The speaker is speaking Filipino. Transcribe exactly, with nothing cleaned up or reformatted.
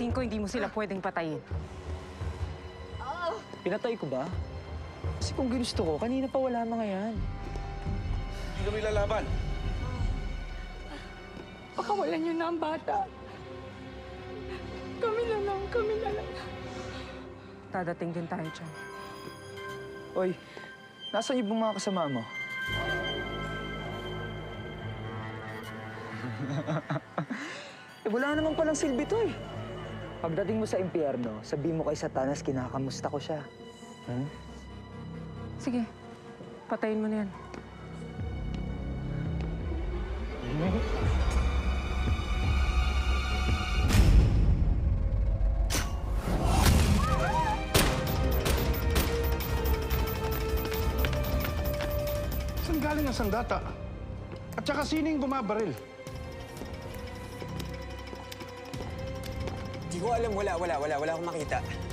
tingin ko hindi mo sila pwedeng patayin. Pinatay ko ba? Kasi kung ginusto ko, kanina pa wala mga yan. Hindi kami lalaban. Pakawalan niyo na ang bata. Kami na lang, kami na lang. Dadating din tayo dyan. Oy, nasaan yung mga kasama mo? eh, wala naman palang silbi to eh. Pagdating mo sa impyerno, sabihin mo kay Satanas, kinakamusta ko siya. Hmm? Sige, patayin mo na yan. Saan galing ang sandata? At saka sining bumabaril? Di ko alam, wala, wala, wala, wala akong makita.